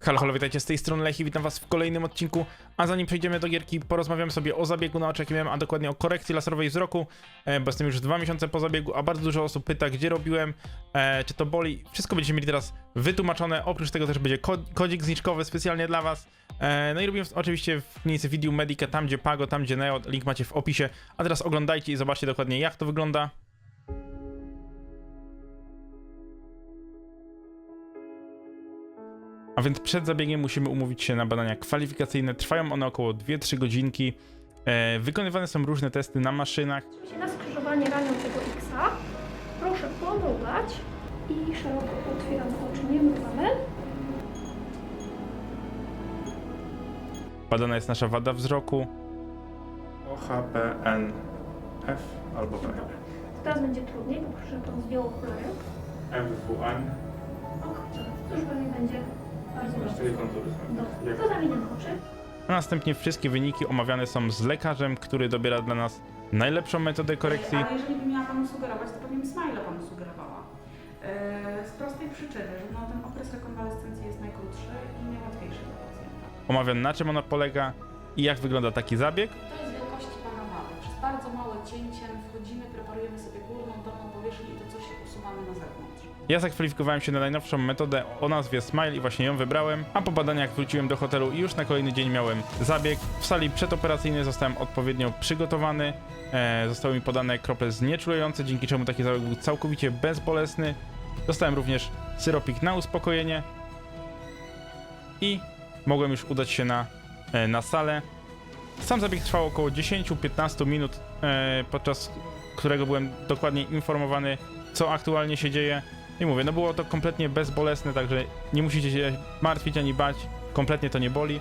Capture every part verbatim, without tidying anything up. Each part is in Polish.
Halo, halo, witajcie, z tej strony Lechi, witam was w kolejnym odcinku, a zanim przejdziemy do gierki, porozmawiam sobie o zabiegu na oczach, a dokładnie o korekcji laserowej wzroku, e, bo jestem już dwa miesiące po zabiegu, a bardzo dużo osób pyta, gdzie robiłem, e, czy to boli. Wszystko będziecie mieli teraz wytłumaczone, oprócz tego też będzie kod kodzik zniżkowy specjalnie dla was. E, no i robiłem w, oczywiście w klinice Video Medica, tam gdzie Pago, tam gdzie Neo, link macie w opisie, a teraz oglądajcie i zobaczcie dokładnie, jak to wygląda. A więc przed zabiegiem musimy umówić się na badania kwalifikacyjne. Trwają one około dwie trzy godzinki. E, wykonywane są różne testy na maszynach. Na skrzyżowanie raniącego X-a proszę pomrugać i szeroko otwieramy oczy, nie mrugamy. Badana jest nasza wada wzroku. O H P N F albo B. Teraz będzie trudniej, bo proszę to zdjął okulary. M W N. Och, to już pewnie będzie bardzo dobrze. Dobrze, to zamkniemy oczy. A następnie wszystkie wyniki omawiane są z lekarzem, który dobiera dla nas najlepszą metodę korekcji. Ale jeżeli by miała Panu sugerować, to pewnie Smile Panu sugerowała. Yy, z prostej przyczyny, że no, ten okres rekonwalescencji jest najkrótszy i najłatwiejszy dla pacjenta. Omawiam, na czym ona polega i jak wygląda taki zabieg. To jest wielkości Pana mamy. Przez bardzo małe cięcie wchodzimy, preparujemy sobie górną, dolną powierzchnię i to coś usuwamy na zewnątrz. Ja zakwalifikowałem się na najnowszą metodę o nazwie Smile i właśnie ją wybrałem, a po badaniach wróciłem do hotelu i już na kolejny dzień miałem zabieg. W sali przedoperacyjnej zostałem odpowiednio przygotowany, e, zostały mi podane krople znieczulające, dzięki czemu taki zabieg był całkowicie bezbolesny. Dostałem również syropik na uspokojenie i mogłem już udać się na, e, na salę. Sam zabieg trwał około dziesięć do piętnastu minut, e, podczas którego byłem dokładnie informowany, co aktualnie się dzieje. I mówię, no było to kompletnie bezbolesne, także nie musicie się martwić ani bać, kompletnie to nie boli.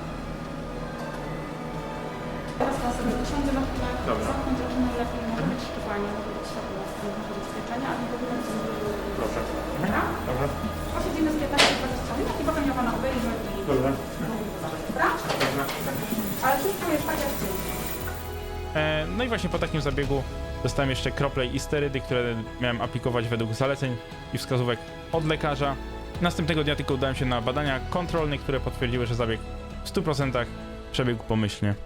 Teraz Pan sobie usiądzie na chwilę, Dobra. zamknąć oczy najlepiej, może być szczepanie, może być światło, może być świeczenia, a nie w ogóle nic nie było. Proszę. Dobra? Dobra. Posiedzimy z piętnaście do dwudziestu minut i potem ja Pana obejrzę i Dobra. mówię to zabrać, dobra? Ale wszystko jest tak jak Ty. E, no i właśnie po takim zabiegu dostałem jeszcze krople i sterydy, które miałem aplikować według zaleceń i wskazówek od lekarza. Następnego dnia tylko udałem się na badania kontrolne, które potwierdziły, że zabieg w stu procentach przebiegł pomyślnie.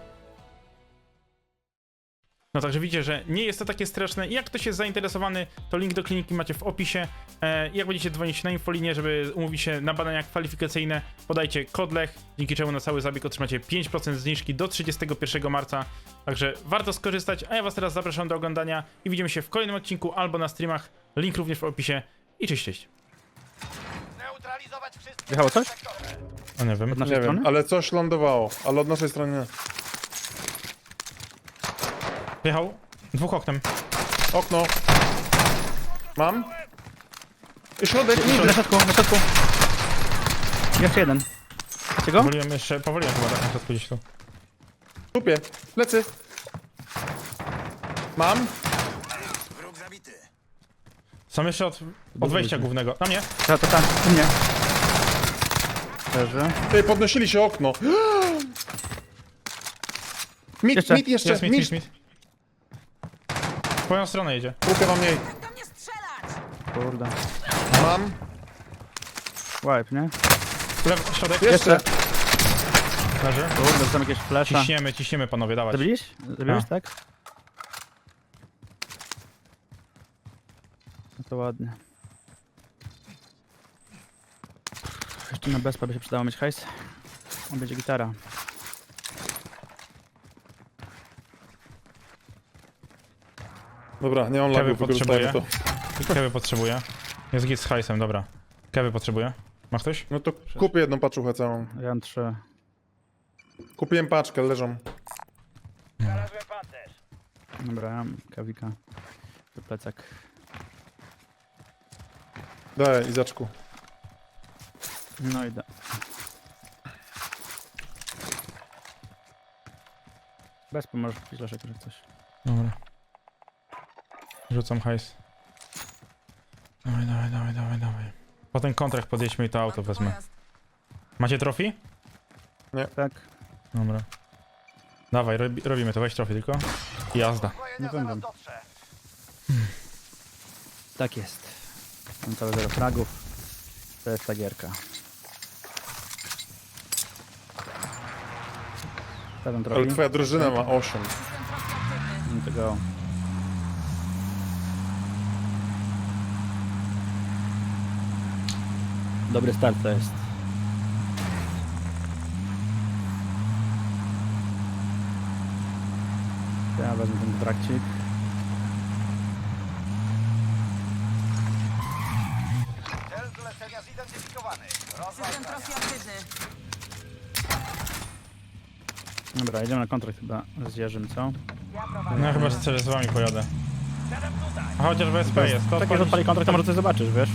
No także widzicie, że nie jest to takie straszne. I jak ktoś jest zainteresowany, to link do kliniki macie w opisie. E, jak będziecie dzwonić na infolinię, żeby umówić się na badania kwalifikacyjne, podajcie kod LECH, dzięki czemu na cały zabieg otrzymacie pięć procent zniżki do trzydziestego pierwszego marca. Także warto skorzystać, a ja was teraz zapraszam do oglądania i widzimy się w kolejnym odcinku albo na streamach. Link również w opisie. I cześć, cześć. Wjechało coś? O nie wiem. Od naszej Nie strony? wiem, ale coś lądowało, ale od naszej strony nie. Wjechał. Dwóch oknem. Okno. Mam. I środek, Na nie. środku, na środku. Jeszcze jeden. Macie go? Powoliłem jeszcze, powoliłem chyba tak na środku gdzieś tu. Tupie. Plecy. Mam. Są jeszcze od, od wejścia głównego. Na mnie. To, to tam, u mnie. Leży. Ty, podnosili się okno. Mit, Jeszcze. mit jeszcze, Jest mit, mit. mit, mit. W twoją stronę jedzie. Tupie mam mniej. Kurde. Mam. Wipe, nie? Lew, środek. Jeszcze. Leży. Kurde, tam jakieś flesza. Ciśniemy, ciśniemy panowie, dawać. Zabiliś? Zabiliś, A. tak? No to ładnie. Jeszcze na bezpa by się przydało mieć hajs. On będzie gitara. Dobra, nie mam Kewy lagów, wykorzystajmy potrzebuje. to. Kewy potrzebuje. Jest git z hajsem, dobra. Kewy potrzebuje. Ma ktoś? No to kupię jedną paczuchę całą. Ja mam trzy. Kupiłem paczkę, leżą. Dobra, ja mam kawika. To plecak. Daj, Izaczku. No idę. Bez pomożesz kupić leszek, że coś. Dobra. Rzucam hajs. Dawaj, dawaj, dawaj, dawaj, dawaj. Po ten kontrakt podjedźmy i to auto wezmę. Macie trofi? Tak. Dobra. Dawaj, robi, robimy to, weź trofi tylko. I jazda. Nie będę. Tak jest. Mam całe zero fragów. To jest ta gierka. Stawiam Ale trochę. twoja drużyna ma osiem. Tego. Dobry start to jest. Ja wezmę ten trakcik. Cel zlecenia zidentyfikowany. System trofii aktywny. Dobra, jedziemy na kontrakt chyba z Jerzym, co? No chyba że z wami pojadę. A chociaż B S P jest, to Tak jak odpalić- odpali kontrakt, to może coś zobaczysz, wiesz?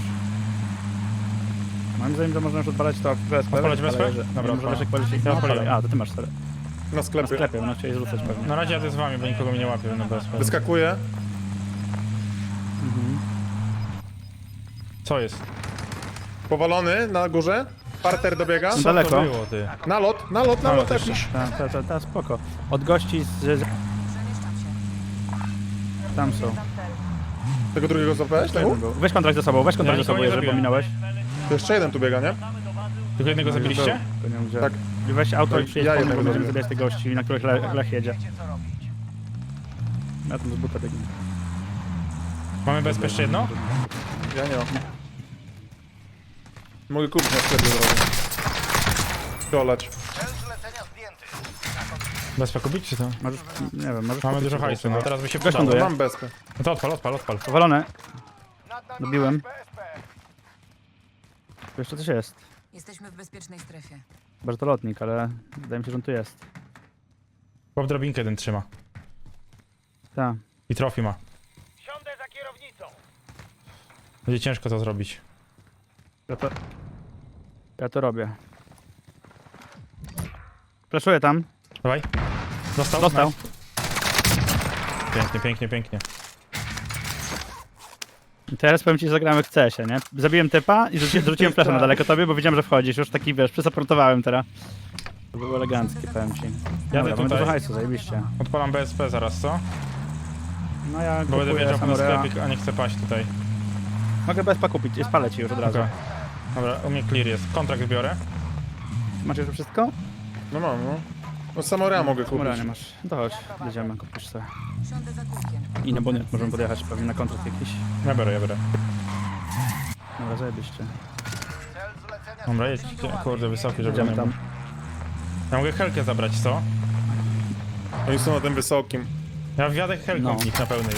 Moim zdaniem, że można już odpalać to w B S P. Odpalać B S P? ale że- Dobra, nie, może odpalam. wiesz, jak policzyć. Ja No, odpaliłem. odpalaj. A, to ty masz sorry. Na Na sklepie. sklepie, no chcieli zrzucać pewnie. Na razie jadę z wami, bo nikogo mnie nie łapię na B S P. Wyskakuje. Mhm. Co jest? Powalony na górze. Parter dobiega. No Co daleko. to było, ty? Nalot, nalot, Nalot nalot jakiś. Ta, ta, ta, ta, spoko. Od gości z... z... Przemieszczam się. Tam są. Tego drugiego złapałeś? Jeden Tego? był. Weź kontrakt ze sobą, weź kontrakt Ja ze sobą, nikogo nie jeżeli zabiłem. pominąłeś. To jeszcze jeden tu biega, nie? Tylko jednego No, zabiliście? był. To nie wiem, gdzie. Tak. I weź auto i To przyjedź ja po mnie, bo jednego będziemy zabiłem. zabijać tych gości, na których Le Lech jedzie. Wiecie co robić. Ja tam z buta biegnę. Mamy B S P jeszcze jedno? Ja nie mam. Mogę kupić na sklepie zrobić. Kolać. Cel zlecenia zdjęty. B S P kupić czy to? Możesz, nie wiem, możesz Mamy kupić dużo sobie hajsu, jeszcze. no teraz by się Weź przydało. ląduję. Mam bezpę. No to odpal, odpal, odpal. Powalone. Nad nami Dobiłem. B S P. Tu jeszcze coś jest. Jesteśmy w bezpiecznej strefie. Chyba, że to lotnik, ale wydaje mi się, że on tu jest. Bob drabinkę jeden trzyma. Tak. I trofi ma. Siądę za kierownicą. Będzie ciężko to zrobić. Ja to... Ja to robię. Flaszuję tam. Dawaj. Dostał? Dostał. Nice. Pięknie, pięknie, pięknie. I teraz powiem ci, że zagrałem w C S ie, nie? Zabiłem typa i rzuci, rzuciłem flasza na daleko tobie, bo wiedziałem, że wchodzisz. Już taki, wiesz, przysaportowałem teraz. To było eleganckie, powiem ci. Jadę Dobra, mamy tutaj. dużo hajsu, zajebiście. Odpalam B S P zaraz, co? No ja Bo będę kupuję wiedział na Samurea. sklepik, a nie chcę paść tutaj. Mogę B S P kupić, i spalę ci już od razu. Okej. Dobra, u mnie clear jest. Kontrakt biorę. Macie już wszystko? No mam, no. No Samorea mogę kupić. Samurea nie masz. To chodź, jedziemy, kupisz sobie. Siądę za kółkiem. I na bonet możemy podjechać pewnie na kontrakt jakiś. Ja biorę, ja biorę. Dobra, zajebiście. Cel zlecenia Dobra, jedźcie. Kurde, wysoki, żeby Jedziemy nie tam. był. Ja mogę helkę zabrać, co? Oni są na tym wysokim. Ja wjadę helką No. w nich na pełnej.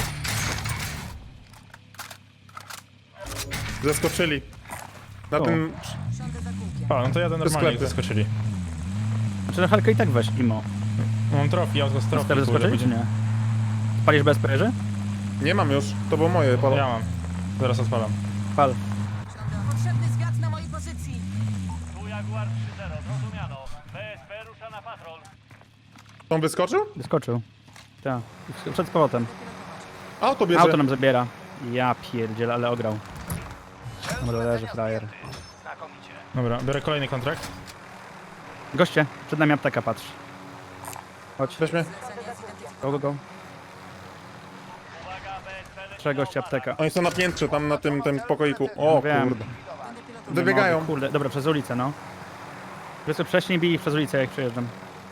Zaskoczyli. Na O. tym... Siądę za kółkiem. A, no to jadę normalnie, jak sklepy. zaskoczyli. Znaczy na halkę i tak weź, Imo. Mam trofi, auto z trofi. Teraz kurde, zaskoczyli czy będzie- nie? Palisz B S P, Jerzy? Nie mam już. To było moje. Palo. Ja mam. Zaraz odpalam. Pal. Siądę. Potrzebny zwiat na mojej pozycji. Tu Jaguar trzy zero, zrozumiano. B S P rusza na patrol. On wyskoczył? Wyskoczył. Tak. Przed z powrotem. Auto bierze. Auto nam zabiera. Ja pierdziel, ale ograł. Dobra, leży frajer. znakomicie. Dobra, biorę kolejny kontrakt. Goście, przed nami apteka, patrz. Chodź, Weź mnie. Zlecenie zidentyfikowane. go, go, go. Uwaga, B S P leci. Trzech gości apteka. Oni są na piętrze, tam na tym, tym pokoiku. O Wiem. kurde. Będę pilotował. Wybiegają. Kurde, dobra, przez ulicę, no. Wiesz co, wcześniej bij ich przez ulicę, jak przejeżdżam.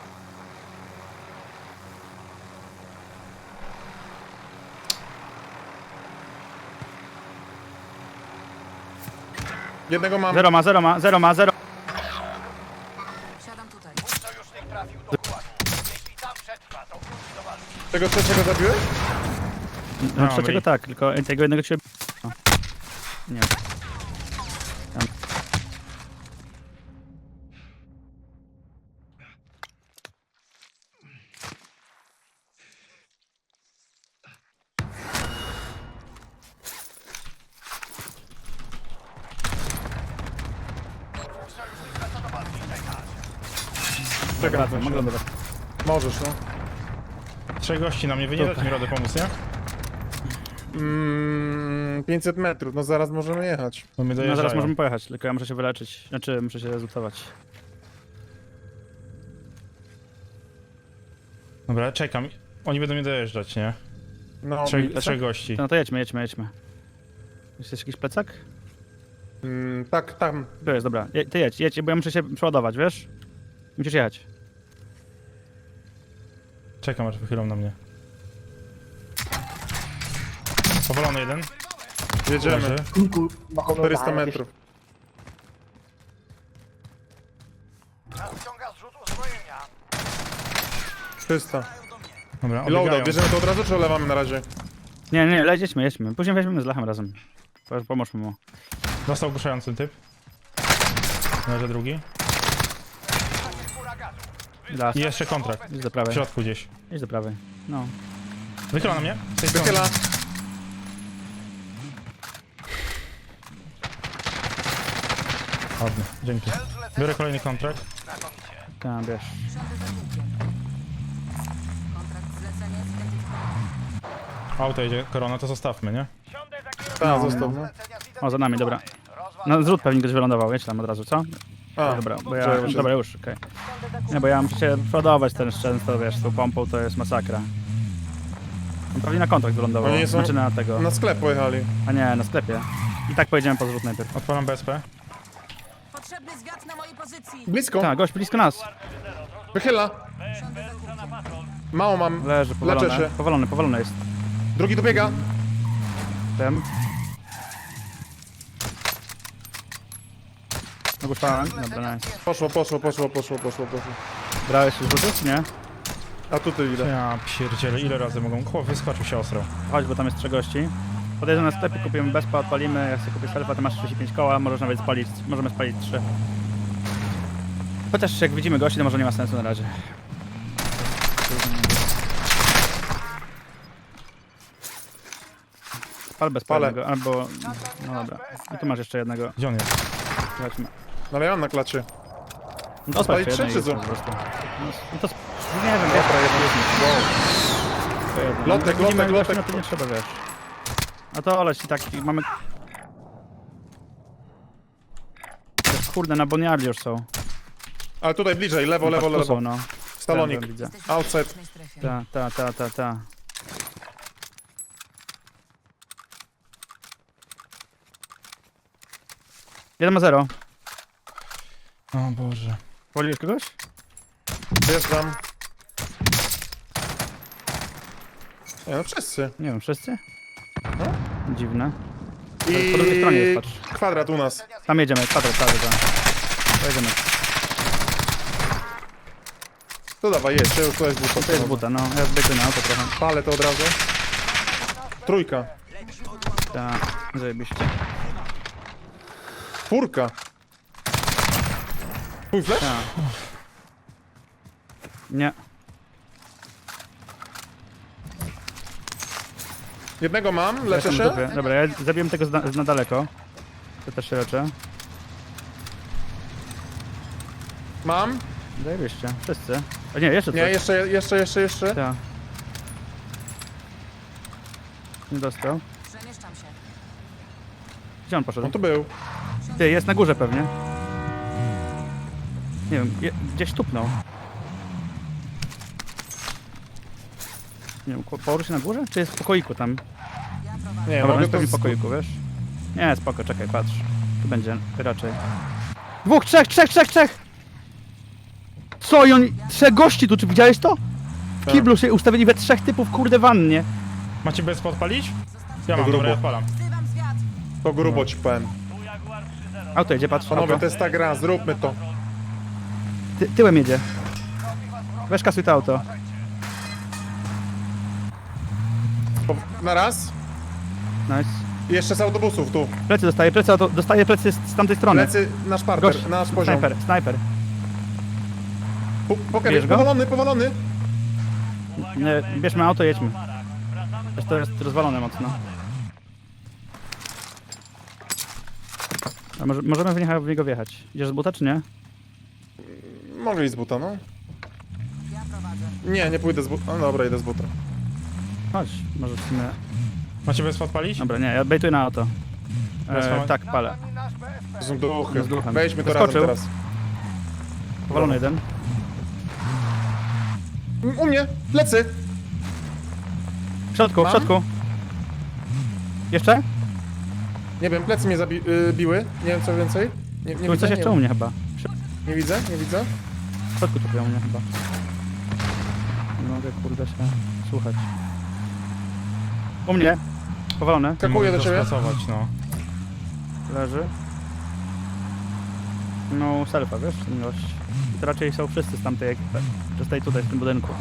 Jednego mam. Zero ma, zero ma, zero ma, zero. Siadam tutaj. Sojusznik trafił do pułapu. Jeśli tam przetrwa, to wróci do walki. Tego trzeciego zabiłeś? No, No, trzeciego bij. tak, tylko tego jednego cię... No. Nie. Tam. Czekam. Wracam, mogę lądować. Możesz, no. Trzech gości na mnie, wy nie dacie mi radę pomóc, nie? Mm, pięćset metrów, no zaraz możemy jechać. Bo mnie No dojeżdżają. zaraz możemy pojechać, tylko ja muszę się wyleczyć. Znaczy, muszę się rezultować. Dobra, czekam. Oni będą mnie dojeżdżać, nie? No, Trzech, trzech gości. No to jedźmy, jedźmy, jedźmy. Jest jeszcze jakiś plecak? mm, tak, tam. Tu jest, dobra. Je, ty jedź, jedź, bo ja muszę się przeładować, wiesz? Musisz jechać. Czekam aż wychylą na mnie. Powalony jeden. Jedziemy. Leży. czterysta metrów. Nadciąga zrzut uzbrojenia. trzysta. Dobra, I loadout, odbiegają. bierzemy to od razu, czy olewamy na razie? Nie, nie, leć, jedźmy, jedźmy. Później weźmiemy z Lachem razem. Pom- Pomóżmy mu. Dostał ogłuszający typ. Leży drugi. Las. I jeszcze kontrakt. Idź do W prawej. środku gdzieś. Idź do prawej. No. Wychyla na mnie. Z tej strony. Wychyla. Ładnie, dzięki. Biorę kolejny kontrakt. Tam, wiesz. Siądę za kółkiem. Kontrakt zlecenie zidentyfikowany. Auto jedzie, korona, to zostawmy, nie? Siądę za kierowcą. Tak, No, zostaw. no. No. O, za nami, dobra. Rozwal- No zrzut pewnie ktoś wylądował, jedź tam od razu, co? A, Dobra, bo ja, Czekaj, dobra, już, okej. Nie, bo ja muszę się przodować ten często, wiesz, z tą pompą to jest masakra. On pewnie na kontrakt wylądował, Oni nie są- znaczy na tego, na sklep pojechali. a nie, na sklepie. I tak pojedziemy po zrzut najpierw. Odpalam B S P. Potrzebny zwiat na mojej pozycji. Blisko. Tak, gość blisko nas. Wychyla. Siądę za kółkiem. Mało mam. Leży, Leczę powalony, się. powalony, powalony jest. Drugi dobiega. Tym. Ogłuszałem, dobra, nice. Poszło, poszło, poszło, poszło, poszło, poszło. Brałeś już rzutów, czy nie? A tutaj idę. Ja pierdzielę, ile razy mogą? Chłop wyskoczył się ostro. Chodź, bo tam jest trzech gości. Podejdziemy na sklepie, kupimy bezpa, odpalimy, jak sobie kupię selfa, to masz trzydzieści pięć koła, możesz nawet spalić, możemy spalić trzy. Chociaż jak widzimy gości, to może nie ma sensu na razie. Pal bez Palę. palnego, albo... No dobra. I tu masz jeszcze jednego. Gdzie on jest? Zobaczmy. No ale ja mam na klacie. No to Spalić spalić trzy, jednego czy po co? prostu. No, no to... sp- Nie wiem, wiesz, Dobra, jest, jest. to jedno. Lotek, Jak widzimy lotek, gości, lotek. No to nie trzeba, wiesz. A to oleć i tak, mamy... Wiesz, Kurde, na boniarli już są. Ale tutaj bliżej, lewo, lewo, Tu są, lewo. no. Stalonik. Tam widzę. Jesteśmy w Outside. bezpiecznej strefie. Ta, ta, ta, ta, ta. Jeden ma zero. O Boże. Wolisz kogoś? Wjeżdżam. Nie no, wszyscy. Nie wiem, wszyscy? No. Dziwne. I Po drugiej stronie jest, patrz. kwadrat u nas. Tam jedziemy, kwadrat, kwadrat, tak. Pojedziemy. To dawaj, jedź, to już to jest buta. To jest buta, no. Ja zbiegnę na auto trochę. Palę to od razu. Trójka. Tak, zajebiście. Czwórka. Twój flash? Tak. Nie. Jednego mam, Ja leczę jestem w się. dupie. Dobra, ja zabiłem tego z na, z na daleko. To też się leczę. Mam. Zajebiście, wszyscy. A nie, jeszcze coś. Nie, jeszcze, jeszcze, jeszcze, jeszcze. Tak. Nie dostał. Przemieszczam się. Gdzie on poszedł? On tu był. Ty, jest na górze pewnie. Nie wiem, je, gdzieś tupnął. Nie wiem, ko- położył się na górze? Czy jest w pokoiku tam? Ja prowadzę. Nie, Dobra, on mogę jest to pewnie w z... pokoiku, wiesz? Nie, spoko, czekaj, patrz. Tu będzie raczej. Dwóch, trzech, trzech, trzech, trzech! Co i oni... Trzech gości tu, czy widziałeś to? W Tak. kiblu się ustawili we trzech typów, kurde, wannie. Macie B S P odpalić? Ja To mam, grubo. dobra, ja odpalam. Wzywam zwiat. To grubo ci powiem. Tu Jaguar trzy zero. Auto jedzie, patrz, Panowie, auto. to jest ta gra, zróbmy to. Ty, tyłem jedzie. Weź kasuj to auto. Po... Na raz. Nice. I jeszcze z autobusów tu. Plecy dostaje, plecy, auto, dostaje plecy z, z tamtej strony. Plecy, nasz parter, Gość, nasz poziom. snajper, snajper. Po, poker, Bierz go? powalony, powalony. Nie, bierzmy auto, jedźmy. Wiesz, to jest rozwalone mocno. A może, możemy w niego, w niego wjechać. Idziesz z buta, czy nie? Mogę iść z buta, no. Ja prowadzę. Nie, nie pójdę z buta. No dobra, idę z buta. Chodź, może w sumie... Macie B S P odpalić? Dobra, nie, ja bejtuję na auto. Teraz E, mamy- tak, palę. To są duchy. Z duchem. Wejdźmy to Wyskoczył. razem Powalony jeden. teraz. U mnie, plecy. W środku, w Mam? środku. Jeszcze? Nie wiem, plecy mnie zabi y, biły. Nie wiem co więcej. Nie, nie Tu widzę, coś jeszcze nie, u mnie chyba. nie widzę, nie widzę. W środku tu u mnie chyba. Nie mogę kurde się słuchać. U mnie. Powalony. Skakuję do Mogę ciebie. rozpracować, no. Leży. No selfa, wiesz, ten gość. I to raczej są wszyscy z tamtej ekipy. Czy z tej tutaj, w tym budynku.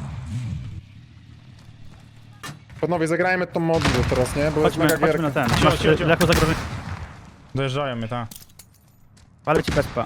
Panowie, zagrajmy tą modlę teraz, nie? Bo Chodźmy, jest mega chodźmy na gierka. ten. Cio, Masz cio, cio. Lechu zagrożenie. Dojeżdżają mnie, tak. Palę ci bezpa.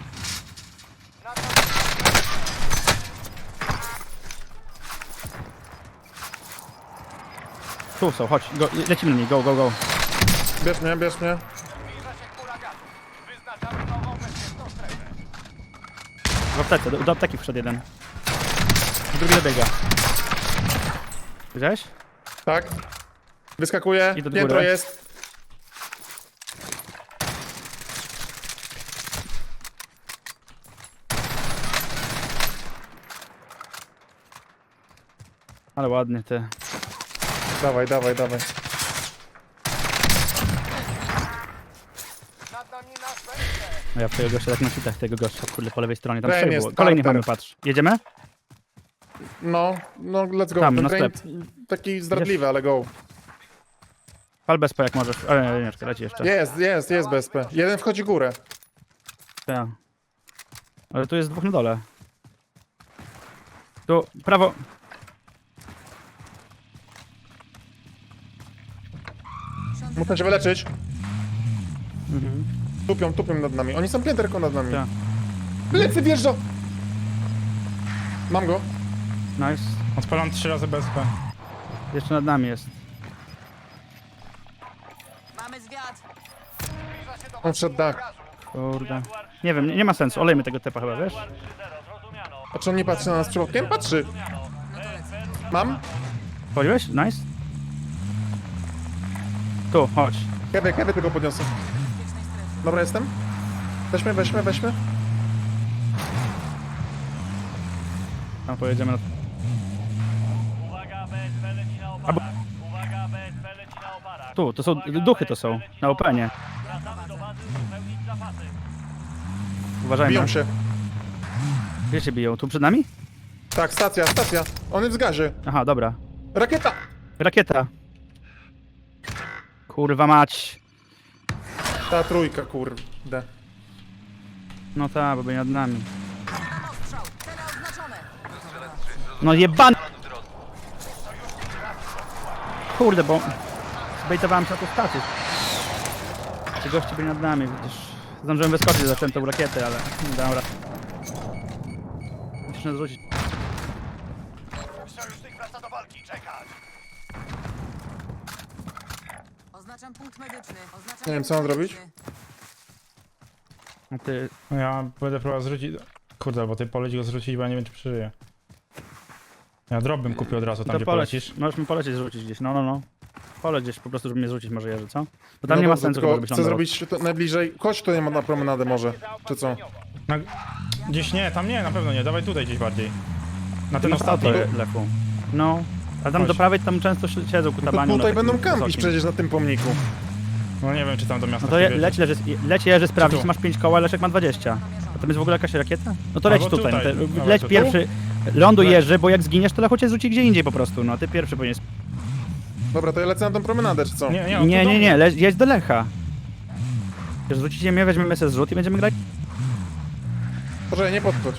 Tu są, chodź, go, lecimy na nich, go, go, go. Bierz mnie, bierz mnie. Zbliża się chmura gazu. Wyznaczamy nową bezpieczną strefę. W aptece, do, do apteki wszedł jeden. Drugi dobiega. Widziałeś? Tak. Wyskakuję. Idę do Piętro góry. jest. Ale ładnie, ty. Dawaj, dawaj, dawaj. Nad nami nasz węgiel. No ja w tego gościa tak na kitach tego gościa, kurde, po lewej stronie. Tam Ten trzech jest było. Kolejny starter. mamy, patrz. Jedziemy? No, no let's go. Tam, Ten na grain sklep. taki zdradliwy, ale go. Pal bezpa jak możesz. Ale nie, nie, czekaj, leci jeszcze. Jest, jest, jest B S P. Jeden wchodzi górę. Tak. Ale tu jest dwóch na dole. Tu, prawo. Muszę się wyleczyć. Mhm. Tupią, tupią nad nami. Oni są pięterko nad nami. Tak. Plecy wjeżdża! Mam go. Nice. Odpalam trzy razy B S P. Jeszcze nad nami jest. Mamy zwiat. Zbliża się do On wszedł dach. gazu. Kurde. Nie wiem, nie, nie ma sensu. Olejmy tego typa chyba, wiesz? trzy zero, zrozumiano. A czy on nie patrzy na nas przypadkiem? Patrzy. No to lecę. Mam. Wchodziłeś? Nice. Tu, chodź. Kiedy, kiedy tego podniosę? Bezpiecznej strefy. Dobra, jestem. Weźmy, weźmy, weźmy. Tam pojedziemy na... Uwaga, B S P leci na oparach. Uwaga, B S P leci na oparach. Tu, to są, Uwaga, duchy to B S P są. leci Na openie. Wracamy do bazy uzupełnić zapasy. Uważajmy. Biją się. Gdzie się biją? Tu przed nami? Tak, stacja, stacja. On jest w gazie. Aha, dobra. Rakieta! Rakieta. Kurwa mać. Ta trójka, kurde. No tak, bo byli nad nami. Mam ostrzał. Cele oznaczone. No jeban... Kurde, bo... Zbejtowałem się na tą stację. Ci goście byli nad nami, widzisz. Zdążyłem wyskoczyć, zacząłem tą rakietę, ale nie dałem rady. Musisz nas zrzucić. Sojusznik wraca do walki. Czekać. Oznaczam punkt medyczny. Oznaczam Nie wiem, co punkt mam zrobić. medyczny. A ty... No ja będę próbował zrzucić... Kurde, bo ty poleć go zrzucić, bo ja nie wiem, czy przeżyje. Ja drop bym kupił od razu tam, To gdzie poleć. polecisz. Możesz mi polecieć, zrzucić gdzieś. No, no, no. Poleć gdzieś po prostu, żeby mnie zrzucić może Jerzy, co? Bo tam No nie ma dobrze, sensu, tylko żebyś chcę lądował. zrobić to najbliżej. Chodź tutaj na promenadę może. Czy co? Na... Gdzieś nie, tam nie, na pewno nie. Dawaj tutaj gdzieś bardziej. Na ten No ostatni. to Lechu. No. A tam Chodź. do prawej tam często si- siedzą To kutabani. tutaj będą kampić przecież na tym pomniku. No nie wiem, czy tam do miasta No to je, wjedzie. leć, leży, leć Jerzy sprawdzić, tu? masz pięć koła, Leszek ma dwadzieścia. A tam jest w ogóle jakaś rakieta? No to leć Albo tutaj. tutaj. No to, Dobra, leć to tu? pierwszy. Ląduj Leć. Jerzy, bo jak zginiesz, to Lechu cię zrzuci gdzie indziej po prostu. No a ty pierwszy powinien. Dobra, to ja lecę na tą promenadę, czy co? Nie, nie, on Nie, tu do nie, mnie. nie, leć, jedź do Lecha. Jak zrzucicie mnie, weźmiemy sobie zrzut i będziemy grać. Proszę, nie podchodź.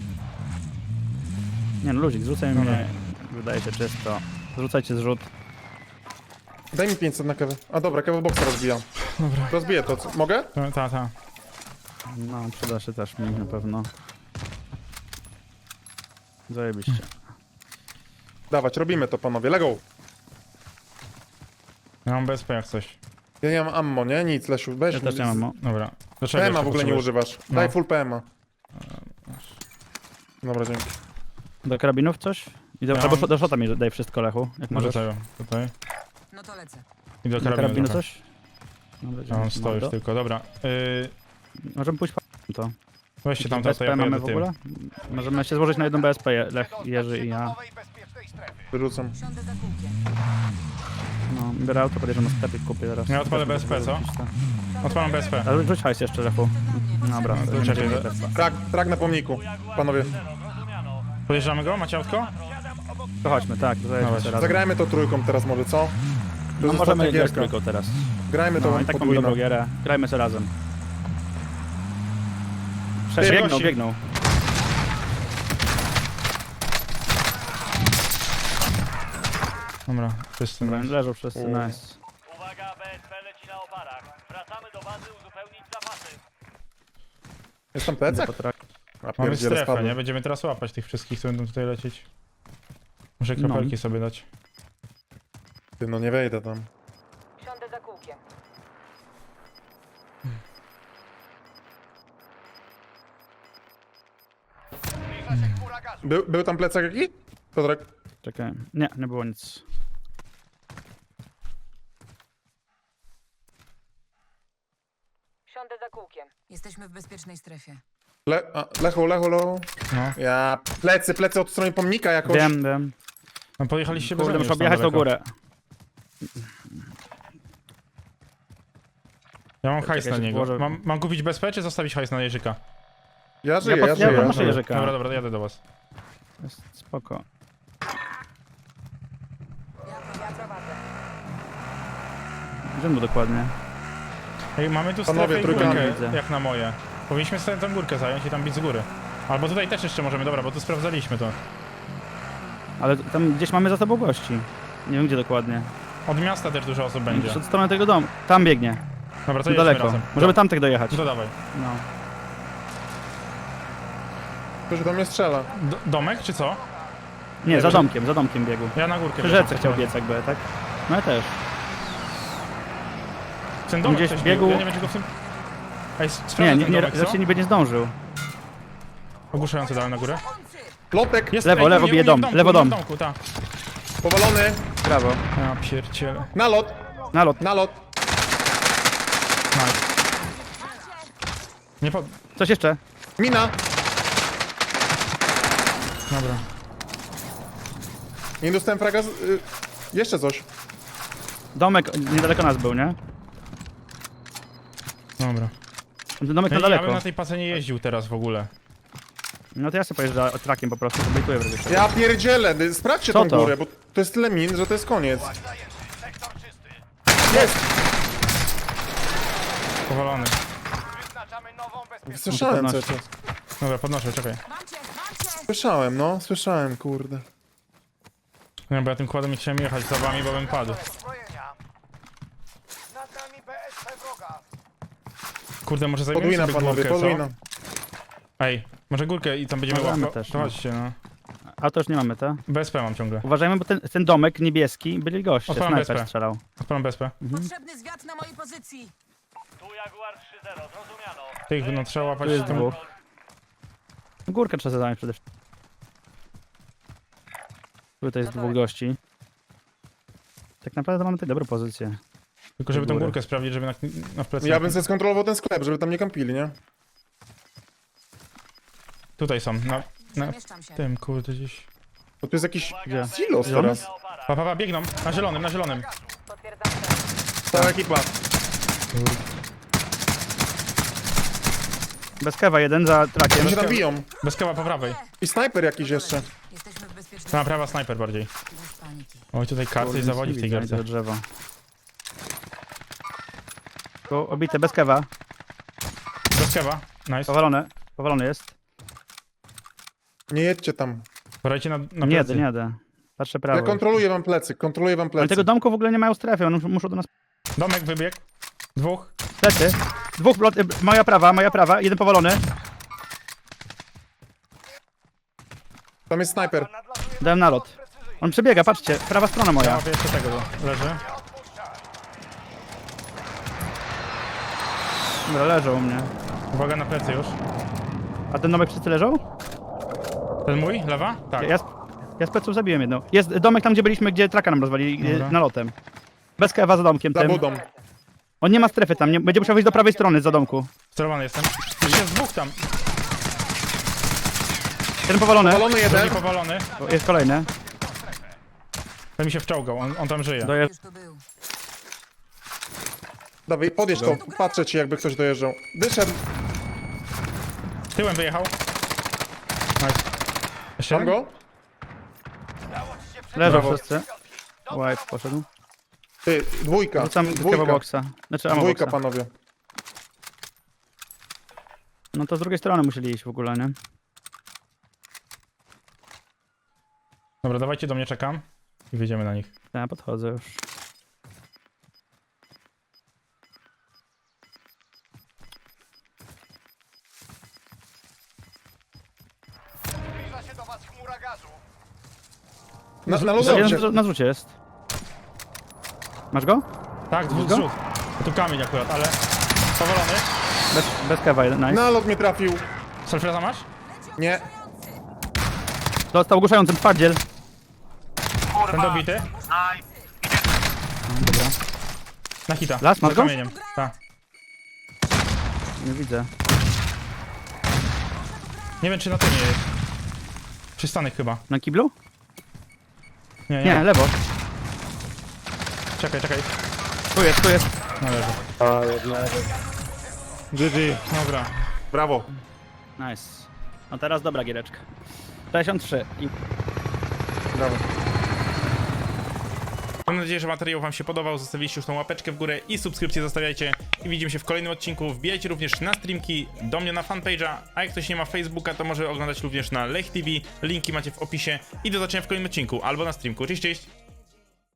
Nie no, ludzik, zrzucaj Dobra. mnie. Wydaje się czysto. Zrzucajcie zrzut. Daj mi pięćset na kawę. A dobra, kawę boxa rozbijam. Dobra. Rozbiję to, co? Mogę? Ta, ta, ta. No, przyda się też mi na pewno. Zajebiście. Dawać, robimy to, panowie. Lego! Ja mam B S P jak coś. Ja nie mam ammo, nie? Nic, Lesiu. Weź Ja mi- też nie mam. no. Dobra. Dlaczego P M a jeszcze w ogóle nie potrzebujesz? używasz. No. Daj full P M a. Dobra, dzięki. Do karabinów coś? I do, Ja albo mam- do szota mi daj wszystko, Lechu. Jak Może możesz. tego, tutaj. No to lecę. I do Do karabinu, karabinu trochę. coś? Dobra, Ja mam dzięki, sto już mordo. tylko, dobra. Yy, Możemy pójść po to. weźcie tam to, B S to P ja mamy pojadę w tym. ogóle? Możemy się złożyć na jedną B S P, Je- Lech, Dostać Jerzy się i do ja. nowej bezpiecznej strefy. Wyrzucam. Siądę za kółkiem. No, biorę auto, podjeżdżam na sklepik, kupię teraz. Ja odpalę Też B S P, mogę co? wrócić, tak. Odpalam B S P. Ale rzuć hajs jeszcze, Lechu. Dobra, No, to będzie czekaj, B S P. Trak, trak na pomniku, panowie. Zero, zrozumiano. Podjeżdżamy go? Macie autko? Siadam obok To chodźmy, tak, to zajedźmy Dawaj. sobie razem. Zagrajmy to trójką teraz może, co? To No jest możemy ostatnia grać gierka. trójką teraz. Grajmy to No i tak mamy podwójną. dobrą gierę. Grajmy sobie razem. Prze- Ty, biegną, gości. biegną. Dobra, wszyscy. Dobra, leżą wszyscy, U. nice. Uwaga, B S P leci na oparach. Wracamy do bazy uzupełnić zapasy. Jest tam plecak? Potrak- A Mamy pierdziele, strefę, spadłem. nie? Będziemy teraz łapać tych wszystkich, co będą tutaj lecieć. Muszę No. kropelki sobie dać. Ty, no nie wejdę tam. Siądę za kółkiem. Zbliża się chmura gazu. Był, był tam plecak jakiś? Piotrek? Czekaj. Nie, nie było nic. Siądę za kółkiem. Jesteśmy w bezpiecznej strefie. Le, a, lechu, lechu, lechu. No. Ja, plecy, plecy od strony pomnika jakoś. Wiem, wiem. No pojechaliście bez Kurde, mnie muszę już tam objechać tą daleko. górę. Ja mam Czekaj, hajs na się niego. włożę. Mam, mam kupić B S P, czy zostawić hajs na Jerzyka? Ja żyję, pod- ja, ja żyję. podnoszę Dobra. Jerzyka. Dobra, dobra, jadę do was. Jest spoko. Ja prowadzę. Gdzie mu dokładnie? Ej, mamy tu Panowie, strefę i trójkami górkę, widzę. jak na moje. Powinniśmy sobie tę górkę zająć i tam bić z góry. Albo tutaj też jeszcze możemy, dobra, bo tu sprawdzaliśmy to. Ale tam gdzieś mamy za sobą gości. Nie wiem gdzie dokładnie. Od miasta też dużo osób będzie. Gdzieś od strony tego domu. Tam biegnie. Dobra, to jedźmy Daleko. razem. Możemy Do- tamtych dojechać. To dawaj. No. Ktoś do mnie strzela. D domek, czy co? Nie, za wiem, domkiem, za domkiem biegł. Ja na górkę Przy biegam. rzece chciał biec jakby, tak? No ja też. Ten domek Gdzieś ktoś biegł- biegł. Ja nie wiem, czy go w tym... Ej, sprawdzę Nie, nie, ten nie, domek, co? raczej niby nie zdążył. Ogłuszający dałem na górę. Plotek, Jest, Lewo, ej, lewo u mnie, bije u mnie dom, w domku, lewo u mnie dom. w domku, tak. powalony. Brawo. Ja pierdzielę. Nalot, Nalot. nalot. Nice. Nie pod... Coś jeszcze? Mina. Dobra. Nie dostałem fraga z... Y, jeszcze coś. Domek niedaleko nas był, nie? Dobra. Ten domek Ja, na ja bym daleko. na tej pace nie jeździł teraz w ogóle. No to ja sobie pojeżdżę trakiem po prostu, to bejtuję w razie. Ja pierdzielę, y, sprawdźcie Co tą to? górę, bo to jest tyle min, że to jest koniec. Sektor czysty. Jest! Powalony. Wyznaczamy nową bezpieczną. Słyszałem Podnoście. coś. Dobra, podnoszę, czekaj. Mam cię, mam cię! Słyszałem, no, słyszałem, kurde. Nie, bo ja tym kładem nie chciałem jechać za wami, bo bym padł. Zbrojenia. Nad nami B S P wroga. Kurde, może zajmiemy Podwójna, sobie panowie, górkę, co? podwójna. Ej, może górkę i tam będziemy Możemy łapać. też, To no. chodźcie, no. A to już nie mamy, to? B S P mam ciągle. Uważajmy, bo ten, ten domek niebieski byli goście, Odpalam snajper B S P. strzelał. Odpalam B S P. Potrzebny zwiat na mojej pozycji. Tu Jaguar trzy zero, zrozumiano. Tych no, trzeba łapać Tu jest w tym... dwóch. Górkę trzeba zadać przede wszystkim. Tutaj jest dwóch gości. Tak naprawdę mamy tutaj dobrą pozycję. Tylko żeby tą górę. górkę sprawdzić, żeby na, na w plecy... Ja bym sobie skontrolował ten sklep, żeby tam nie kampili, nie? Tutaj są, na, na Przemieszczam się. tym, kurde, gdzieś... Bo tu jest jakiś Gdzie? silos teraz. Na oparach. Pa, pa, pa, biegną, na zielonym, na zielonym. Potwierdzam cel. Cała ekipa. Bez kewa jeden za trakiem. Oni się tam biją. Bez keła po prawej. I snajper jakiś jeszcze. Jesteśmy w bezpiecznej Ta prawa snajper bardziej. Bez paniki. Oj, tutaj karty i Kurde, zawodzi nic w tej nie widzę, gierce. widzę drzewo. Tu obite, bez kewa. Bez kewa, nice. Powalone. Powalony jest. Nie jedźcie tam. Porajcie na, na Nie plecy. jadę, nie jadę. Patrzę prawo. Ja kontroluję wam plecy, kontroluję wam Oni plecy. tego domku w ogóle nie mają strefy, oni muszą do nas... Domek wybiegł. Dwóch. Plecy. Dwóch, blot... y, moja prawa, moja prawa, jeden powalony. Tam jest snajper. Dałem nalot. On przebiega, patrzcie, prawa strona Ja moja. łapię jeszcze tego, leży. Dobra, leżą u mnie. Uwaga na plecy już. A ten domek wszyscy leżą? Ten mój? Lewa? Tak. Ja, z- ja z pleców zabiłem jedną. Jest domek tam, gdzie byliśmy, gdzie traka nam rozwalili, Dobra. y, nalotem. Bez kewa za domkiem Za tym. budą. On nie ma strefy tam, nie, będzie musiał wyjść do prawej strony za domku. Sterowany jestem. Już jest dwóch tam. Ten powalony. Powalony jeden. Drugi powalony. O, jest kolejny. Ten mi się wczołgał, on, on tam żyje. Doje... Już tu był. Dawaj, podjedź to. Patrzę ci, jakby ktoś dojeżdżał. Wyszedł. Tyłem wyjechał. Nice. Jeszcze Mam jeden? go? Udało ci się Leżą Brawo. wszyscy. White poszedł. Ty, dwójka, Rzucam kewa dwójka, boxa. Znaczy ammo dwójka, boxa. panowie. No to z drugiej strony musieli iść w ogóle, nie? Dobra, dawajcie do mnie, czekam. I wyjdziemy na nich. Ja podchodzę już. Zbliża się do was chmura gazu. Na, na Jeden lodowcie. na- na zrzucie jest. Masz go? Tak, dwóch Go? zrzut. Tu kamień akurat, ale... Powolony. Bez, bez kewa, nice. Na lot mnie trafił. Selfreza masz? Nie. Dostał ogłuszającym twardziel. Ten dobity. Dobra. Na hita. Las, masz Za go? kamieniem. Tak. Nie widzę. Nie wiem, czy na tym nie jest. Przystanek chyba. Na kiblu? Nie, nie. Nie, lewo. Czekaj, czekaj. Tu jest, tu jest. Należy. G G. Dobra. Brawo. Nice. No teraz dobra giereczka. sześćdziesiąt trzy. I Brawo. Mam nadzieję, że materiał wam się podobał. Zostawiliście już tą łapeczkę w górę i subskrypcję zostawiajcie. I widzimy się w kolejnym odcinku. Wbijajcie również na streamki, do mnie na fanpage'a. A jak ktoś nie ma Facebooka, to może oglądać również na Lech T V. Linki macie w opisie. I do zobaczenia w kolejnym odcinku albo na streamku. Cześć, cześć!